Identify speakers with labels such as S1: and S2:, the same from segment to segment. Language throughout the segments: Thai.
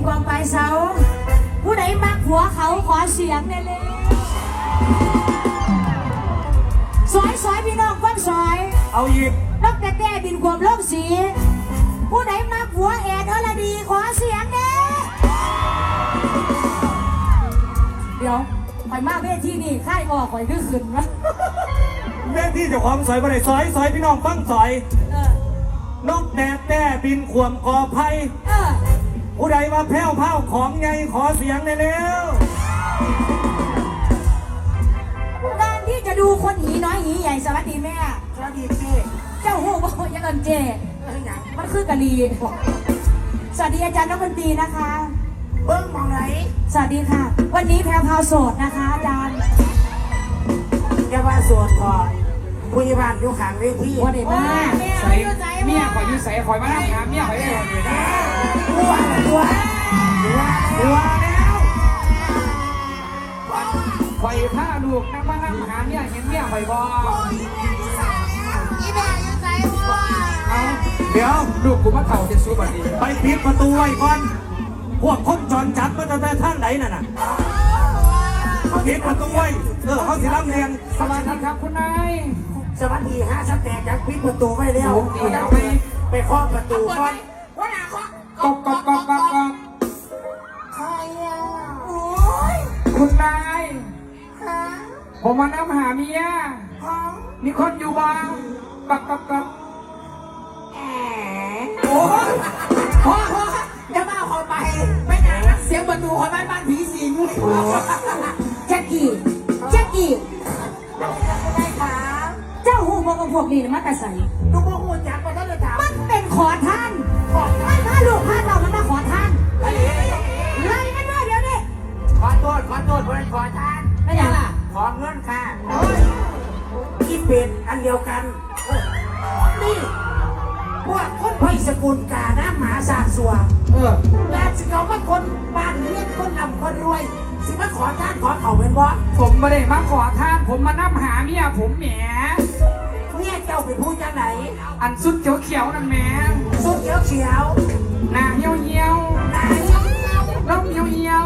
S1: ความปลายเสาผู้ใดมักผัวเขาขอเสียงเลยสอยพี่น้องฟังสอย
S2: เอาอีก
S1: นกแต่บินความโลกสีผู้ใดมักผัวแอดอรดีขอเสียงเด้เดี๋ยวข่อยมาเวทีนี่ค่ายออกข่อยขึ้นวะ
S2: เวทีเจ้าของสอยบ่ได้สอยพี่น้องฟังสอยนกแต่บินขวมกอไผ่ผู้ใดมาแพ้วเผาของไงขอเสียงได้แล้ว
S1: การที่จะดูคนหีน้อยหีใหญ่สวัสดีแม่
S3: สวัสดีเจ๊
S1: เจ้าหูบอกยังเอินเจมันคือกะลีสวัสดีอาจารย์นักดนตรีนะคะ
S3: เบิ้งมองไหน
S1: สวัสดีค่ะวันนี้แพรวพาวโสดนะคะอาจารย์
S3: จะว่าโสดก่อนคุยบ้านอยู่ข้างเวที
S1: วันเด็กมาก
S4: ใส่เมียข่อยอยู่ใส่ข่อยมานั่งหาเมียข่อยได้
S3: ตัวแล้ว
S4: ข่อยผ้าลูกนั่งมานั่งหาเมียเห็นเมียข่อยบ่
S3: อีแม่ยังใส่บ่
S4: เอา
S2: เดี๋ยว
S4: ลูกกูมาเข่าจะสู้บัดนี้
S2: ไปปิดประตูไว้ก่อนพวกคนจรจัดมาตั้งแต่ท่านไหนน่ะปิดประตูไว้เขาสิรับเรียน
S4: สวัสดีครับคุณนาย
S3: สวัสดีฮะสแตกจากปิดประตูไว้แล้วไปเคาะประตูก่อนว่าหนาเคาะ
S4: ก๊อก
S3: ใครอ่ะโอ้ย
S4: คุณนาย
S3: ฮะ
S4: ผมมานั่งหาเมียมีคนอยู่บ้างก๊อก
S3: แอบโอ้ยพ่อจะมาขอไปไม่ไหนเสียงประตูของบ้านผีสิง
S1: แจ็คกี้
S3: ได้ค่ะ
S1: เจ้าหูบอกกับพวกนี้มาแต่ใส่
S3: ลูกพ่อหูจักมาตั้งแต่ถาม
S1: มันเป็นขอท่านไม่พาลูกพาเรามันมาขอท่านไล่กันด้วยเดี๋ยวนี้
S3: ขอโทษเพื่อนขอทาน
S1: ไม่ยังล่ะ
S3: ขอเงินค่ะที่เป็นอันเดียวกันนี่พวกคนไพศกุลกาน้ำหมาสาดสัวแต่สิเขาว่าคนบ้านเลี้ยงคนนำคนรวยสิมาขอทานขอเขาเป็นวะ
S4: ผมไม่ได้มาขอทานผมมานั่งหาเมียผมแหม
S3: เนี่ยเจ้าเป็นผู้จังไหน
S4: อันสุดเขียวนั่นแหม
S3: สุดเขียว
S4: หน้าเหี่ยว
S3: หน้าเหี่ยว
S4: น้องเหี่ยว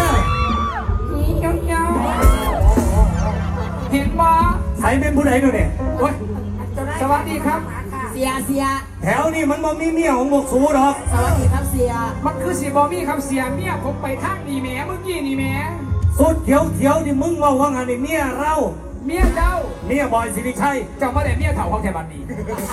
S4: เห็นบ่
S2: ใส่เป็นผู้ใดดูเนี่ย
S4: สวัสดีครับ
S1: เสีย
S2: แถวนี้มันบ่มีเมียของบกสูหรอก
S1: สวัสดีครับเสีย
S4: มันคือสีบอมี่ครับเสียเมียผมไปทางนี่แหมเมื่อกี้นี่แหม
S2: สุดเขียวนี่มึงว่าไงนี่เมียเรา
S4: เมียเจ้า
S2: เมียบอยสิริชัย
S4: เจ้ามาแต่เมียเถ่าของแถวบ้านนี้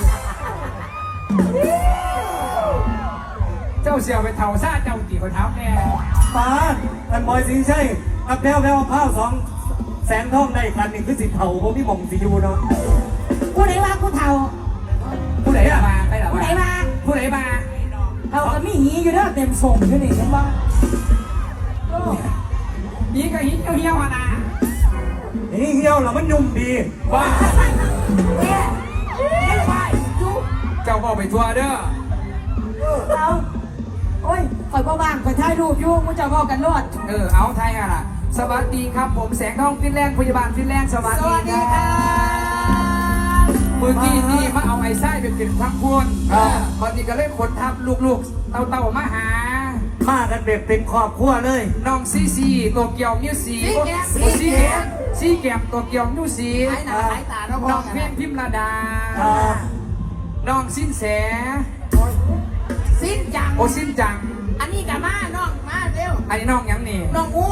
S4: เจ้าเสียไปเถ่าซาเจ้าตีคนเท้าแน่
S2: ป้าอันบอยสิริชัยกับแพ้วผ้า2แสนทองได้กันนี่คือสิเถ่าผมพี่มองสิยูเนาะ
S1: ผู้ใดว่าผู้เฒ่า
S4: ผู้ใดมา
S1: ผู้ใดมา
S4: เขา
S1: ก็มีหีอยู่เด้อเต็มส่งอยู่นี่เห็นบ่
S4: หีก็หีเหี่ยวนะ
S2: หีเหี่ยวแล้วมันยุ่มดี
S4: ว่าเจ้าบอกไปทัวร์เด้อ
S1: เอาโอ้ยคอยว่างคอยถ่ายรูปอยู่กูจะบอกกันรอด
S4: เอาไทยกันล่ะสวัสดีครับผมแสงทองฟินแลนด์พยาบาลฟินแลนด์สวัสดีครับเมื่อกี้นี่มาเอาไอ้ไส้เป็นทั้งพวนตอนนี้ก็เล่นคนทับลูกๆเต่ามาหา
S2: กันแบบเป็นครอบครัวเลย
S4: น้องซีตัวเกี่ยวนิ้วสีแก้มตัวเกี่ยวนิ้วสีน้องเพียงพิมระดาน้องสิ้นแส
S3: สิ้นจัง
S4: สิ้นจัง
S3: อันนี้กับมาน้องมาเร็ว
S4: อันนี้น้องยังนี่
S3: น้องอู